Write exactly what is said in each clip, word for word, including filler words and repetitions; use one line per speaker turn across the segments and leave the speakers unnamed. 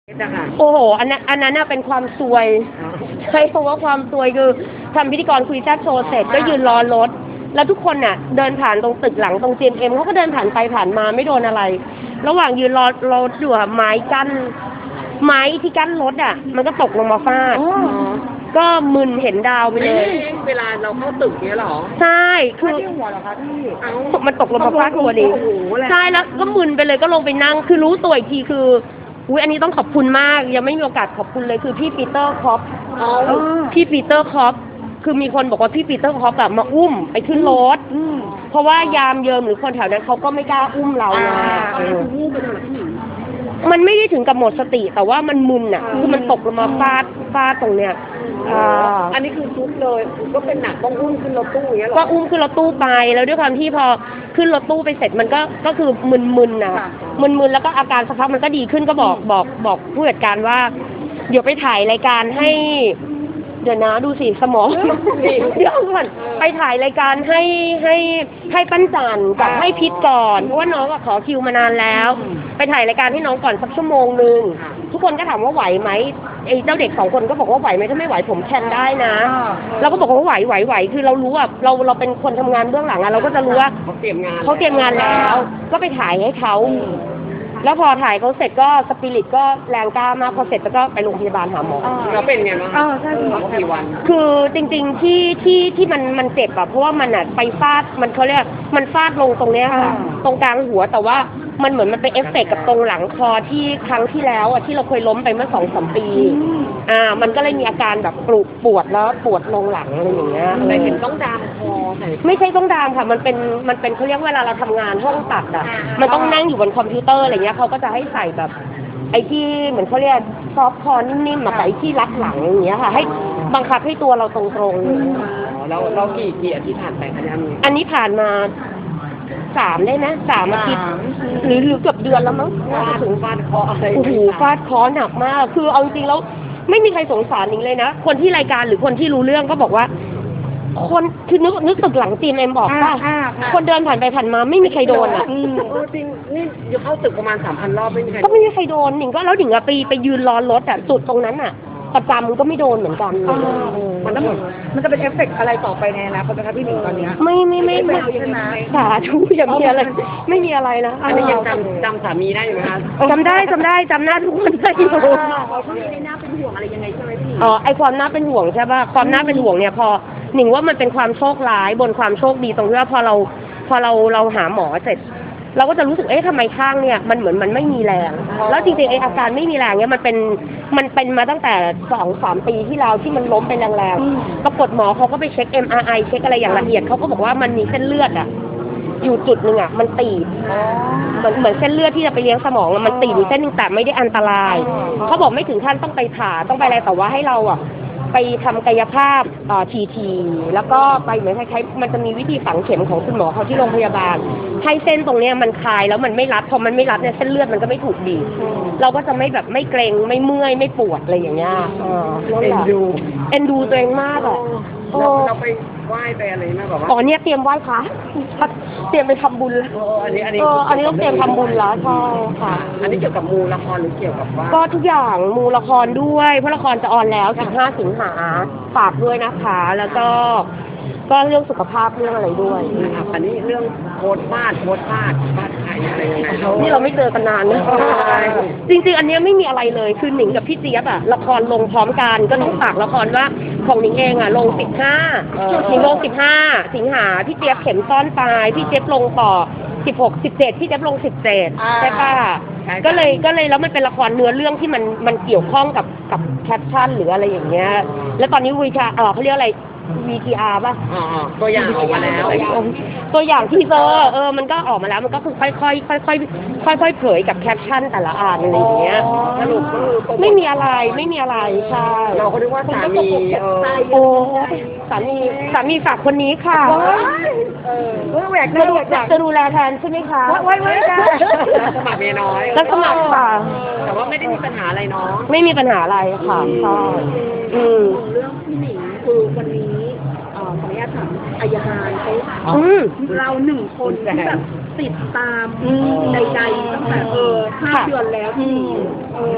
โอ้โหอันนั้นอันนั้นน่ะเป็นความซวยใช่เพราะว่าความซวยคือทำพิธีกรคุยแซ่บโชว์เสร็จก็ยืนรอรถแล้วทุกคนน่ะเดินผ่านตรงตึกหลังตรง จี เอ็ม เอ็มเขาก็เดินผ่านไปผ่านมาไม่โดนอะไรระหว่างยืนรอรถอยู่อะไม้กั้นไม้ที่กั้นรถอ่ะมันก็ตกลงมาฟาดก็มึนเห็นดาวไปเลย
เวลาเราเข้าตึกเนี้ยหรอ
ใช่คือ
หัวเหรอคะพี่
มันตกลงมาฟาดหัวดิใช่แล้วก็มึนไปเลยก็ลงไปนั่งคือรู้ตัวอีกทีคืออุ้ยอันนี้ต้องขอบคุณมากยังไม่มีโอกาสขอบคุณเลยคือพี่ปีเตอร์คอปพี่ปีเตอร์คอปคือมีคนบอกว่าพี่ปีเตอร์คอปแบบมาอุ้มไปขึ้นรถเพราะว่ายามเยิมหรือคนแถวนั้นเขาก็ไม่กล้าอุ้มเราไงมันไม่ได้ถึงกับหมดสติแต่ว่ามันมึนอ่ะคือมันตกลงมาฟาดฟาดตรงเนี้ย
อันนี้คือซุกเลยก็เป็นหนักต้องอุ้มขึ้นรถตู้อย่างเงี้ยหรอ
ก็อุ้มขึ้นรถตู้ไปแล้วด้วยความที่พอขึ้นรถตู้ไปเสร็จมันก็ก็คือมึนๆนะมึนๆแล้วก็อาการสักพักมันก็ดีขึ้นก็บอกบอกบอกผู้จัดการว่าเดี๋ยวไปถ่ายรายการให้เดี๋ยวนะดูสิสมองเดี๋ยวก่อนไปถ่ายรายการให้ให้ให้ปั้นจันกับให้พิษก่อนเพราะว่าน้องก็ขอคิวมานานแล้วไปถ่ายรายการให้น้องก่อนสักชั่วโมงนึงทุกคนก็ถามว่าไหวไหมไอ้เจ้าเด็กสองคนก็บอกว่าไหวไหมถ้าไม่ไหวผมแคนได้นะเราก็บอกว่าไหวไหวไหวคือเรารู้ว่าเราเราเป็นคนทำงานเบื้องหลังอะเราก็จะรู้ว่า
เขาเตรียมงาน
เขาเตรียมงานแล้วก็ไปถ่ายให้เขาแล้วพอถ่ายเขาเสร็จก็สปิริตก็แรงกล้ามากพอเสร็จก็ไปโรงพยาบาลหาหมอ
แล้วเป็นไงบ้างอ๋อใช่กี่วัน
คือจริงๆที่ที่ที่มันมันเจ็บอะเพราะว่ามันอะไปฟาดมันเขาเรียกมันฟาดลงตรงเนี้ยค่ะตรงกลางหัวแต่ว่ามันเหมือนมันไปเอฟเฟกต์กับตรงหลังคอที่ครั้งที่แล้วอะที่เราเคยล้มไปเมื่อสองสามปีอ่ามันก็เลยมีอาการแบบปวดปวดแล้วปวดลงหลังอะไรอย่างเงี้ย
แต่เห็นต้องดามคอใส่
ไม่ใช่ต้องดามค่ะมันเป็นมันเป็นเขาเรียกเวลาเราทำงานห้องตัดอะมันต้องนั่งอยู่บนคอมพิวเตอร์อะไรเงี้ยเขาก็จะให้ใส่แบบไอ้ที่เหมือนเขาเรียกซอฟต์คอนิ่มๆมาใส่ที่รัดหลังอย่างเงี้ยค่ะให้บังคับให้ตัวเราตรง
ๆแล้วเรากี่กี่อาทิตย์ผ่านไปคะเนี่ย
อันนี้ผ่านมาสามได้ไหมสามอาทิตย์หรือหรือเกือบเดือนแล้วมั้งน่าจะถึง
ฟาดคออะไร
โอ้โหฟาดคอหนักมากคือเอาจริงๆแล้วไม่มีใครสงสารหนิงเลยนะคนที่รายการหรือคนที่รู้เรื่องก็บอกว่าคนคือนึกนึกตึกหลังจีนเอ็มบอกป่ะคนเดินผ่านไปผ่านมาไม่มีใครโดนอ่ะ
จริงนี่อยู่เข้าตึกประมาณสามพันรอบไม่มีใคร
ก็ไม่มีใครโดนหนิงก็แล้วหนิงอะไปไปยืนรอรถอ่ะจุดตรงนั้นอ่ะประจำก็ไม่โดนเหมือนกัน
มันจะมันจะเป็นเอฟเฟกต์อะไรต่อไปในอนาคตนะคะพี่หนิงตอนนี้
ไม่ไม่ไม่ไม่สาธุอย่างมีอะไรไม่มีอะไรนะ
อันนี้ยังจำจำสามีได้อยู่ไหมคะ
จำได้จำได้จำหน้าทุกคนได้อยู่
เขาไม่ได้น่าเป็นห่วงอะไรยังไงใช่ไหมพี่
อ๋อไอความน่าเป็นห่วงใช่ป่ะความน่าเป็นห่วงเนี่ยพอหนิงว่ามันเป็นความโชคร้ายบนความโชคดีตรงที่ว่าพอเราพอเราเราหาหมอเสร็จเราก็จะรู้สึกเอ๊ะทำไมข้างเนี่ยมันเหมือนมันไม่มีแรงแล้วจริงๆไออาการไม่มีแรงเนี่ยมันเป็นมันเป็นมาตั้งแต่สองสามปีที่แล้วที่มันล้มไปแรงๆปรากฏหมอเขาก็ไปเช็ค เอ็ม อาร์ ไอ เช็คอะไรอย่างละเอียดเขาก็บอกว่ามันมีเส้นเลือดอะอยู่จุดหนึ่งอะมันตีบเหมือนเหมือนเส้นเลือดที่จะไปเลี้ยงสมองมันตีบอยู่เส้นหนึ่งแต่ไม่ได้อันตรายเขาบอกไม่ถึงขั้นต้องไปผ่าต้องไปอะไรแต่ว่าให้เราอะไปทำกายภาพทีทีแล้วก็ไปเหมือนคล้ายๆมันจะมีวิธีฝังเข็มของคุณหมอเขาที่โรงพยาบาลให้เส้นตรงเนี้ยมันคลายแล้วมันไม่รัดพอมันไม่รัดเนี่ยเส้นเลือดมันก็ไม่ถูกบีบเราก็จะไม่แบบไม่เกร็งไม่เมื่อยไม่ปวดอะไรอย่างเงี้ย
เอ็นดู
เอ็นดูตัวเองมากอ่ะ
เราไปไหว้ไปอะไรไหมแบบว่า
อ๋อเนี่ยเตรียมไหว้พระเตรียมไปทำบุญแล้ว
อันนี้อันนี้
อันนี้ต้องเตรียมทำบุญแล้วใช่ค่ะ
อันนี้เกี่ยวกับมูละครหรือเกี่ยวกับว่า
ก็ทุกอย่างมูละครด้วยเพราะละครจะออนแล้วสิบห้าสิงหาฝากด้วยนะคะแล้วก็ก็เรื่องสุขภาพเรื่องอะไรด้วย
อันนี้เรื่องโคตรพลาดโคตรพลาดพลาดใครอะไรยังไง
นี่เราไม่เจอกันนานนะจริงๆอันนี้ไม่มีอะไรเลยคือหนิงกับพี่เจี๊ยบอะละครลงพร้อมกันก็ต้องฝากละครว่าของหนิงเองอะลงสิบห้าหนิงลงสิบห้าสิงหาพี่เจี๊ยบเข็มซ่อนปลายพี่เจี๊ยบลงต่อสิบหกสิบเจ็ดพี่เจี๊ยบลงสิบเจ็ดใช่ป่ะก็เลยก็เลยแล้วมันเป็นละครเนื้อเรื่องที่มันมันเกี่ยวข้องกับกับแคปชั่นหรืออะไรอย่างเงี้ยแล้วตอนนี้วิชาเออเขาเรียกอะไรวี ที อาร์ ป่ะ
อ๋อตัวอย่างออกมาแล้ว
ตัวอย่างที่เจอเออมันก็ออกมาแล้วมันก็คือค่อยๆค่อยๆค่อยๆเผยกับแคปชั่นแต่ละอ่านอะไรอย่างเงี้ย
สรุปคือ
ไม่มีอะไรไม่มีอะไรใช่
เราก็นึกว่าสามี
โอ้สามีสามีฝากคนนี้ค่ะ
เออแหวก
จะดูจะดูแลแทนใช่ไหมคะ
ไว้ไว้ได้สมัครเมียน้อย
แล้วสมัครค่ะ
แต่ว่าไม่ได้มีปัญหาอะไรเนาะ
ไม่มีปัญหาอะไรค่ะใช่อืม
เรื่องพี่หนิงคือวันนี้ขออนุญาตถามอัยการเขาเราหนึ่งคนที่แบบติดตามใดๆตั้งแต่เออห้าเดือนแล้วที่เออ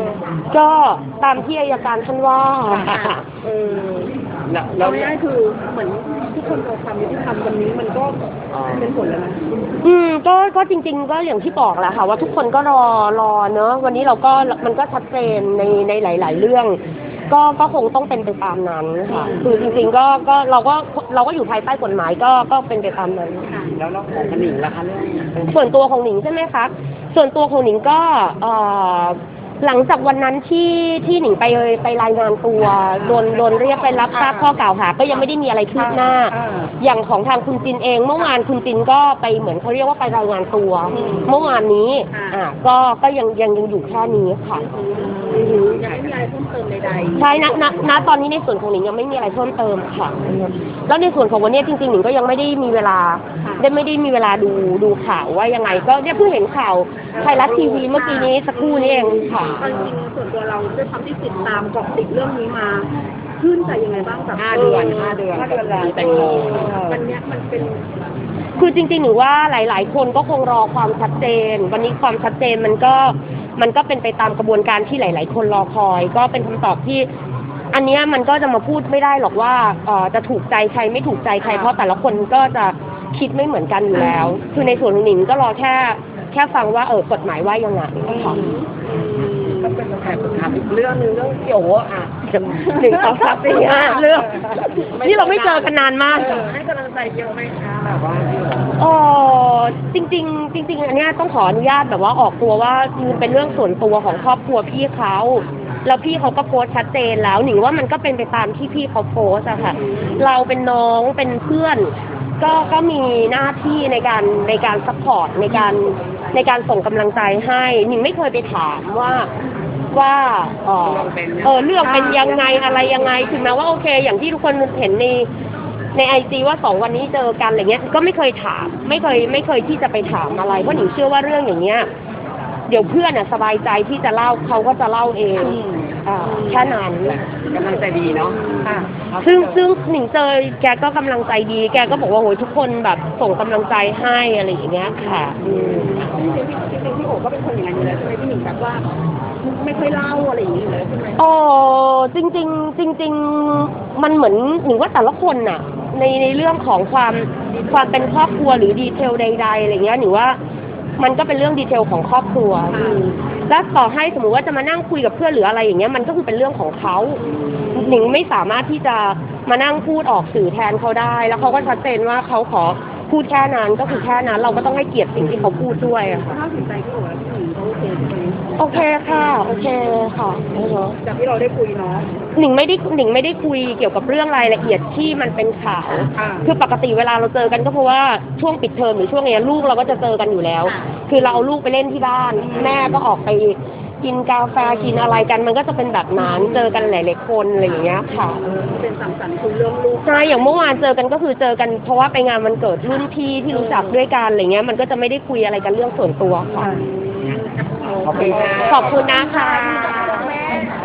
ก็ตามที่อัยการท่านว่า
เออแล้วแล้
เรา
ว
ง่ายๆคือเหมือนทุกคนรอความยุติธรรมวันนี้มันก็เป็นผลแล้วนะ
อืมก็ก็จริง ๆ ก็อย่างที่บอกแหละค่ะว่าทุกคนก็รอรอเนอะวันนี้เราก็มันก็ชัดเจนในในหลาย ๆ เรื่อง ก็ก็คงต้องเป็นไปตามนั้นค่ะคือจริง ๆ ก็ก็เราก็เราก็อยู่ภายใต้กฎหมายก็ก็เป็นไปตามนั้น
แล้วเราของกระหนิงล่ะคะเรื่อง
ส่วนตัวของหนิงใช่ไหมคะส่วนตัวของหนิงก็เอ่อหลังจากวันนั้นที่ที่หนิงไปไปรายงานตัวโดนโดนเรียกไปรับทราบข้อกล่าวหาก็ยังไม่ได้มีอะไรคืบหน้า อย่างของทางคุณจินเองเมื่อวานคุณจินก็ไปเหมือนเขาเรียกว่าไปรายงานตัว เมื่อวานนี้อ่าก็ก็ยังยังยังอยู่แค่นี้ค่ะ
ยังไม่มีอะไรเพิ่มเติมใด
ใช่ณณณตอนนี้ในส่วนของหนิงยังไม่มีอะไรเพิ่มเติมค่ะ แล้วในส่วนของวันนี้จริงๆหนิงก็ยังไม่ได้มีเวลาได้ไม่ได้มีเวลาดูดูข่าวว่ายังไง ก็เนี่ยเพิ่งเห็นข่าวไทยรัฐทีวีเมื่อกี้นี้สักครู่นี้เองค่ะ
ๆเอาจริงๆส่วนตัวเราด้วยความที่ติดตามเกาะติดเรื่องนี้มาชื่นใจยังไงบ้างกับ
ห้าเดือนห้าเดือน
ห้าเดือนแล้ว
แตงโม
วันเนี้ยมันเป็น
คือจริงๆหนูว่าหลาย ๆ คนก็คงรอความชัดเจน วันนี้ความชัดเจนมันก็มันก็เป็นไปตามกระบวนการที่หลาย ๆ คนรอคอย ก็เป็นคำตอบที่ อันเนี้ยมันก็จะมาพูดไม่ได้หรอกว่าเอ่อจะถูกใจใครไม่ถูกใจใครเพราะแต่ละคนก็จะคิดไม่เหมือนกันอยู่แล้ว คือในส่วนของหนิงก็รอแค่แค่ฟังว่าเออกฎหมายว่ายังไงค่ะ
ก็เป็นแอบถามอีกเรื่องหนึงเรื่องเกี่ยวว่าอ่ะ
หนึ่งสองสามสี่ห้าเรื่องนี่เราไม่เจอกันนานมาก
เออให้กำลังใจเยอะไหมคะแบบว่าที่แบบ
เออจริงๆจริงๆอันเนี้ยต้องขออนุญาตแบบว่าออกตัวว่ามันเป็นเรื่องส่วนตัวของครอบครัวพี่เขาแล้วพี่เขาก็โพสต์ชัดเจนแล้วหนิงว่ามันก็เป็นไปตามที่พี่เขาโพสต์อะค่ะเราเป็นน้องเป็นเพื่อน ก็ก็มีหน้าที่ในการในการซัพพอร์ตในการในการส่งกำลังใจให้หนิงไม่เคยไปถามว่าว่าเออเออเรื่องเป็นยังไงอะไรยังไงถึงแม้ว่าโอเค อย่างที่ทุกคนเห็นในในไอจีว่าสองวันนี้เจอกันอะไรเงี้ยก็ไม่เคยถามไม่เคยไม่เคยที่จะไปถามอะไรเพราะหนิงเชื่อว่าเรื่องอย่างเงี้ยเดี๋ยวเพื่อนอ่ะสบายใจที่จะเล่าเขาก็จะเล่าเองอ่าแค่นั้น
กำลังใจดีเนาะค่ะ
ซึ่งซึ่งหนิงเจอแกก็กำลังใจดี แกก็บอกว่าโหยทุกคนแบบส่งกำลังใจให้อะไรอย่างเงี้ยค่ะอืม
จริงๆจริงๆพี่โอ๋ก็เป็นคนอย่างนั้นอยู่แล้วใช่ไหมพี่หนิงแบบว่าไม่ค่อยเล่าอะไรอย่างนี้อยู่แล้วใช่ไหม
โอ้จริงจริงๆจริง ๆ มันเหมือนหนิงว่าแต่ละคนน่ะ ในในเรื่องของความความเป็นครอบครัวหรือดีเทลใดๆอะไรเงี้ยหนิงว่ามันก็เป็นเรื่องดีเทลของครอบครัวแล้วต่อให้สมมติว่าจะมานั่งคุยกับเพื่อนหรืออะไรอย่างเงี้ยมันก็คือเป็นเรื่องของเขาหนิงไม่สามารถที่จะมานั่งพูดออกสื่อแทนเขาได้ แล้วเขาก็ชัดเจนว่าเขาขอพูดแค่นั้นก็คือแค่นั้นเราก็ต้องให้เกียรติสิ่งที่เขาพูดด้วยอะค่ะ
ถ้าสินใจพี่โอ๋แล้วพี่หนิงเขาโอเคใช่ไหม
โอเคค่ะโอเคค่ะอือฮะ
จากที่เราได้คุยเนาะ
หนิงไม่ได้หนิงไม่ได้คุยเกี่ยวกับเรื่องรายละเอียดที่มันเป็นข่าว
อ่า
คือปกติเวลาเราเจอกันก็เพราะว่าช่วงปิดเทอมหรือช่วงเนี้ยลูกเราก็จะเจอกันอยู่แล้ว คือเราเอาลูกไปเล่นที่บ้าน แม่ก็ออกไปกินกาแฟกินอะไรกันมันก็จะเป็นแบบนั้นเจอกันหลายๆคนอะไรอย่างเงี้ยค่ะ
เป็นสังสรรค์คุยเรื่องลูก
ใช่อย่างเมื่อวานเจอกันก็คือเจอกันเพราะว่าไปงานวันเกิดรุ่นพี่ที่รู้จักด้วยกันอะไรเงี้ยมันก็จะไม่ได้คุยอะไรกันเรื่องส่วนตัวค่ะ
ขอบคุณค่ะ
ขอบคุณนะคะ